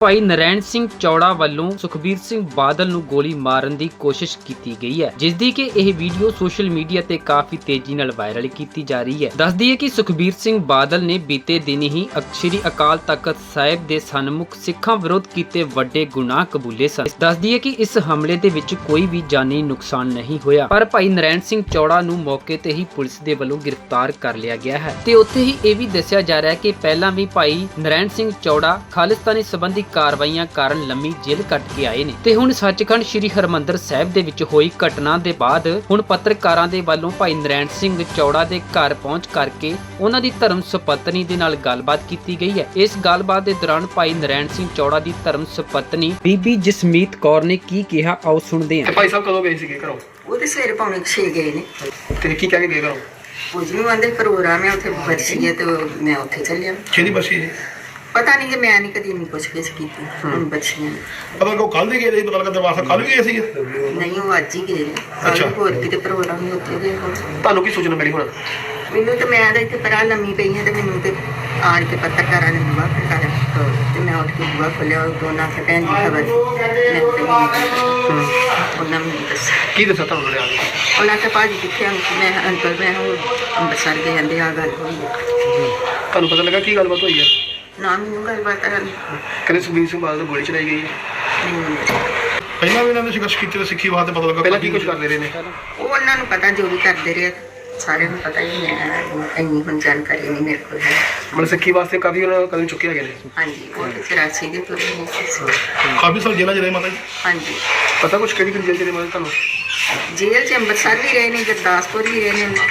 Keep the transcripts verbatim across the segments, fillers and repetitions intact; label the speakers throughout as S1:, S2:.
S1: ਭਾਈ ਨਰੈਣ ਸਿੰਘ ਚੌੜਾ ਵੱਲੋਂ ਸੁਖਬੀਰ ਸਿੰਘ ਬਾਦਲ ਨੂੰ ਗੋਲੀ ਮਾਰਨ ਦੀ ਕੋਸ਼ਿਸ਼ ਕੀਤੀ ਗਈ ਹੈ, ਜਿਸ ਦੀ ਕਿ ਇਹ ਵੀਡੀਓ ਸੋਸ਼ਲ ਮੀਡੀਆ ਤੇ ਕਾਫੀ ਤੇਜ਼ੀ ਨਾਲ ਵਾਇਰਲ ਕੀਤੀ ਜਾ ਰਹੀ ਹੈ। ਦੱਸਦੀ ਹੈ ਕਿ ਸੁਖਬੀਰ ਸਿੰਘ ਬਾਦਲ ਨੇ ਬੀਤੇ ਦਿਨ ਹੀ ਸ੍ਰੀ ਅਕਾਲ ਤਖਤ ਸਾਹਿਬ ਦੇ ਸਨਮੁਖ ਸਿੱਖਾਂ ਵਿਰੁੱਧ ਕੀਤੇ ਵੱਡੇ ਗੁਨਾਹ ਕਬੂਲੇ ਸਨ। ਦੱਸਦੀ ਹੈ ਕਿ ਇਸ ਹਮਲੇ ਦੇ ਵਿੱਚ ਕੋਈ ਵੀ ਜਾਨੀ ਨੁਕਸਾਨ ਨਹੀਂ ਹੋਇਆ, ਪਰ ਭਾਈ ਨਰੈਣ ਸਿੰਘ ਚੌੜਾ ਨੂੰ ਮੌਕੇ ਤੇ ਹੀ ਪੁਲਿਸ ਦੇ ਵੱਲੋਂ ਗ੍ਰਿਫਤਾਰ ਕਰ ਲਿਆ ਗਿਆ ਹੈ। ਤੇ ਉੱਥੇ ਹੀ ਇਹ ਵੀ ਦੱਸਿਆ ਜਾ ਰਿਹਾ ਹੈ ਕਿ ਪਹਿਲਾਂ ਵੀ ਭਾਈ ਨਰੈਣ ਸਿੰਘ ਚੌੜਾ ਖਾਲਿਸਤਾਨੀ ਸੰਬੰਧੀ ਕਾਰਵਾਈਆਂ ਕਾਰਨ ਲੰਮੀ ਜੇਲ੍ਹ ਕੱਟ ਕੇ ਆਏ ਨੇ ਤੇ ਹੁਣ ਸੱਚਖੰਡ ਸ੍ਰੀ ਹਰਿਮੰਦਰ ਸਾਹਿਬ ਦੇ ਵਿੱਚ ਹੋਈ ਘਟਨਾ ਦੇ ਬਾਅਦ ਹੁਣ ਪੱਤਰਕਾਰਾਂ ਦੇ ਵੱਲੋਂ ਭਾਈ ਨਰੈਣ ਸਿੰਘ ਚੌੜਾ ਦੇ ਘਰ ਪਹੁੰਚ ਕਰਕੇ ਉਹਨਾਂ ਦੀ ਧਰਮ ਸੁਪਤਨੀ ਦੇ ਨਾਲ ਗੱਲਬਾਤ ਕੀਤੀ ਗਈ ਹੈ। ਇਸ ਗੱਲਬਾਤ ਦੇ ਦੌਰਾਨ ਭਾਈ ਨਰੈਣ ਸਿੰਘ ਚੌੜਾ ਦੀ ਧਰਮ ਸੁਪਤਨੀ ਬੀਬੀ ਜਸਮੀਤ ਕੌਰ ਨੇ ਕੀ ਕਿਹਾ, ਆਓ ਸੁਣਦੇ ਹਾਂ।
S2: ਭਾਈ ਸਾਹਿਬ ਕਦੋਂ ਗਏ ਸੀਗੇ ਘਰੋਂ?
S3: ਉਹ ਤੇ ਸਵੇਰੇ ਪੌਣੇ ਛੇ ਗਏ ਨੇ
S2: ਤੇ ਕੀ ਕਹਿ ਕੇ ਗਏ ਘਰੋਂ?
S3: ਕੁਝ ਨਹੀਂ ਆਂਦੇ ਪ੍ਰੋਗਰਾਮ ਹੈ ਉੱਥੇ ਬਰਸੀ ਹੈ ਤੇ ਮੈਂ ਉੱਥੇ ਚੱਲਿਆ।
S2: ਕਿਹਦੀ ਬੱਸੀ ਜੀ?
S3: ਪਤਾ ਨਹੀਂ ਕਿ ਮੈਂ ਨਹੀਂ ਕਦੀ ਨਹੀਂ ਪੁੱਛ ਗਿੱਛ ਕੀਤੀ ਹੁਣ ਬੱਚੀਆਂ ਨੇ।
S2: ਪਤਾ ਕੋ ਕੱਲ ਦੇ ਗਏ ਸੀ, ਪਤਾ ਲੱਗਾ ਦਰਬਾਰ ਸਾਹਿਬ ਕੱਲ ਗਏ ਸੀ।
S3: ਨਹੀਂ ਉਹ ਅੱਜ ਹੀ ਗਏ ਨੇ। ਕੱਲ ਹੋਰ ਕਿਤੇ ਪ੍ਰੋਗਰਾਮ ਨਹੀਂ ਉੱਥੇ ਗਏ ਹੋਣ।
S2: ਤੁਹਾਨੂੰ ਕੀ ਸੂਚਨਾ ਮਿਲੀ ਹੁਣ?
S3: ਮੈਨੂੰ ਤਾਂ ਮੈਂ ਤਾਂ ਇੱਥੇ ਪਰਾਂ ਲੰਮੀ ਪਈ ਹਾਂ ਤੇ ਮੈਨੂੰ ਤੇ ਆਣ ਕੇ ਪੱਤਰਕਾਰਾਂ ਨੇ ਬੁਆ ਖੜਕਾਇਆ ਤੇ ਮੈਂ ਉੱਠ ਕੇ ਬੁਆ ਖੋਲਿਆ। ਉਹ ਦੋਨਾਂ ਸੇ ਭੈਣ ਦੀ ਖਬਰ ਮੈਂ ਉਹਨਾਂ ਨੂੰ ਦੱਸਿਆ।
S2: ਕੀ ਦੱਸਿਆ ਤੁਹਾਨੂੰ ਲਿਆ ਕੇ?
S3: ਉਹਨਾਂ ਤੇ ਭਾਜੀ ਕਿੱਥੇ ਆਂ? ਮੈਂ ਅੰਕਲ ਮੈਂ ਉਹ ਅੰਮ੍ਰਿਤਸਰ ਗਏ ਜਾਂਦੇ ਆ ਗੱਲ ਹੋਈ।
S2: ਤੁਹਾਨੂੰ ਪਤਾ ਲੱਗਾ ਕੀ ਗੱਲਬਾਤ ਹੋਈ ਹੈ?
S3: ਨਾ ਮੈਨੂੰ ਗੱਲਬਾਤ ਕਰਨ
S2: ਕਹਿੰਦੇ ਸੁਖਬੀਰ ਸਿੰਘ ਬਾਦਲ ਨੂੰ ਗੋਲੀ ਚਲਾਈ ਗਈ ਹੈ।
S3: ਨਹੀਂ
S2: ਪਹਿਲਾਂ ਵੀ ਇਹਨਾਂ ਨੇ ਸੰਘਰਸ਼ ਕੀਤੇ ਤੇ ਸਿੱਖੀ ਵਾਸਤੇ ਪਤਾ ਲੱਗਾ ਪਹਿਲਾਂ ਕੀ ਕੁਝ ਕਰਦੇ ਰਹੇ ਨੇ।
S3: ਉਹ ਉਹਨਾਂ ਨੂੰ ਪਤਾ ਜੋ ਵੀ ਕਰਦੇ ਰਹੇ ਸਾਰਿਆਂ ਨੂੰ ਪਤਾ ਹੀ ਹੈ। ਇੰਨੀ ਹੁਣ ਜਾਣਕਾਰੀ ਨਹੀਂ ਮੇਰੇ ਕੋਲ ਹੈ।
S2: ਮਤਲਬ ਸਿੱਖੀ ਵਾਸਤੇ ਕਾਫੀ ਉਹਨਾਂ ਕਦਮ ਚੁੱਕੇ ਹੈਗੇ ਨੇ।
S3: ਹਾਂਜੀ ਉਹ ਤੇ ਚੁਰਾਸੀ ਦੇ ਤੁਰੇ ਨੇ।
S2: ਕਾਫੀ ਸਾਲ ਜੇਲ੍ਹਾਂ 'ਚ ਰਹੇ ਮਾਤਾ ਜੀ?
S3: ਹਾਂਜੀ
S2: ਪਤਾ ਕੁਛ ਕਿਹੜੀ ਕਿਹੜੀ ਜੇਲ੍ਹ 'ਚ ਰਹੇ ਮਾਤਾ ਤੁਹਾਨੂੰ?
S3: ਜੇਲ੍ਹ 'ਚ ਅੰਮ੍ਰਿਤਸਰ ਵੀ ਰਹੇ ਨੇ, ਗੁਰਦਾਸਪੁਰ ਵੀ ਰਹੇ ਨੇ,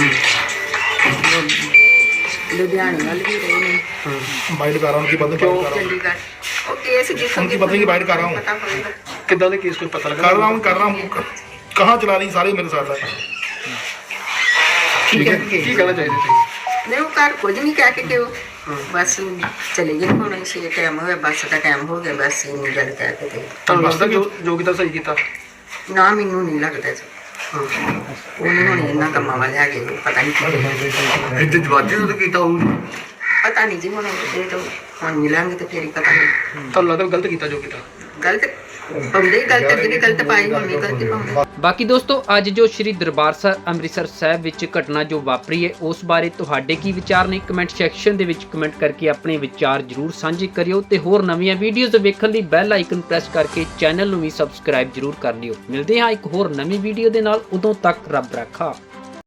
S3: ਲੁਧਿਆਣੇ ਵੱਲ ਵੀ ਰਹੇ ਨੇ।
S2: ਬਾਈਟ ਕਰ ਰਹਾ ਹੂੰ ਕਿ ਬੰਦ
S3: ਕਿਉਂ ਚੰਡੀਗੜ੍ਹ ਉਹ ਕੇਸ ਜਿਸ
S2: उनकी पत्नी की बाइट कर रहा हूँ। कितना दे केस कोई पता लगा? कर रहा हूँ कर रहा हूँ कहाँ चला रही सारे मेरे साथ है। ठीक है ਕੀ ਕਹਿਣਾ ਚਾਹੀਦਾ ਤੁਸੀਂ?
S3: ਨਹੀਂ ਉਹ ਘਰ ਕੁਝ ਨਹੀਂ ਕਹਿ ਕੇ ਕਿ ਉਹ ਬਸ ਚਲੇ ਗਏ। ਹੁਣ ਛੇ ਟਾਈਮ ਹੋਇਆ, ਬੱਸ ਦਾ ਟਾਈਮ ਹੋ ਗਿਆ, ਬਸ ਇੰਨੀ ਗੱਲ ਕਹਿ ਕੇ ਤੇ
S2: ਤੁਹਾਨੂੰ ਲੱਗਦਾ ਕਿ ਜੋ ਕੀਤਾ ਸਹੀ ਕੀਤਾ?
S3: ਨਾ ਮੈਨੂੰ ਨਹੀਂ ਲੱਗਦਾ ਜੀ। ਉਹਨੇ ਹੁਣ ਇਹਨਾਂ ਕੰਮਾਂ ਵਾਲੇ ਹੈਗੇ ਪਤਾ ਨਹੀਂ ਕੀ
S2: ਇੱਥੇ ਜਵਾਜੀ ਤੋਂ ਕੀਤਾ ਹੋਊ।
S3: ਪਤਾ ਨਹੀਂ ਜੀ ਹੁਣ ਇਹ ਤਾਂ ਹੁਣ ਮਿਲਾਂਗੇ ਤੇ ਫੇਰ ਹੀ ਪਤਾ ਨਹੀਂ।
S2: ਤੁਹਾਨੂੰ ਲੱਗਦਾ ਗਲਤ ਕੀਤਾ ਜੋ ਕੀਤਾ?
S3: ਗਲਤ ਪਾਉਂਦੇ ਗਲਤ ਅੱਗੇ ਗਲਤ ਪਾਈ ਹੁਣ ਵੀ ਗਲਤੀ ਪਾਉਂਦੇ।
S1: ਬਾਕੀ ਦੋਸਤੋ ਅੱਜ ਜੋ ਸ਼੍ਰੀ ਦਰਬਾਰ ਸਾਹਿਬ ਅੰਮ੍ਰਿਤਸਰ ਸਾਹਿਬ ਵਿੱਚ ਘਟਨਾ ਜੋ ਵਾਪਰੀ ਹੈ ਉਸ ਬਾਰੇ ਤੁਹਾਡੇ ਕੀ ਵਿਚਾਰ ਨੇ? ਕਮੈਂਟ ਸੈਕਸ਼ਨ ਦੇ ਵਿੱਚ ਕਮੈਂਟ ਕਰਕੇ ਆਪਣੇ ਵਿਚਾਰ ਜ਼ਰੂਰ ਸਾਂਝੇ ਕਰਿਓ ਤੇ ਹੋਰ ਨਵੀਆਂ ਵੀਡੀਓਜ਼ ਵੇਖਣ ਲਈ ਬੈਲ ਆਈਕਨ ਪ੍ਰੈਸ ਕਰਕੇ ਚੈਨਲ ਨੂੰ ਵੀ ਸਬਸਕ੍ਰਾਈਬ ਜ਼ਰੂਰ ਕਰ ਲਿਓ। ਮਿਲਦੇ ਹਾਂ ਇੱਕ ਹੋਰ ਨਵੀਂ ਵੀਡੀਓ ਦੇ ਨਾਲ, ਉਦੋਂ ਤੱਕ ਰੱਬ ਰਾਖਾ।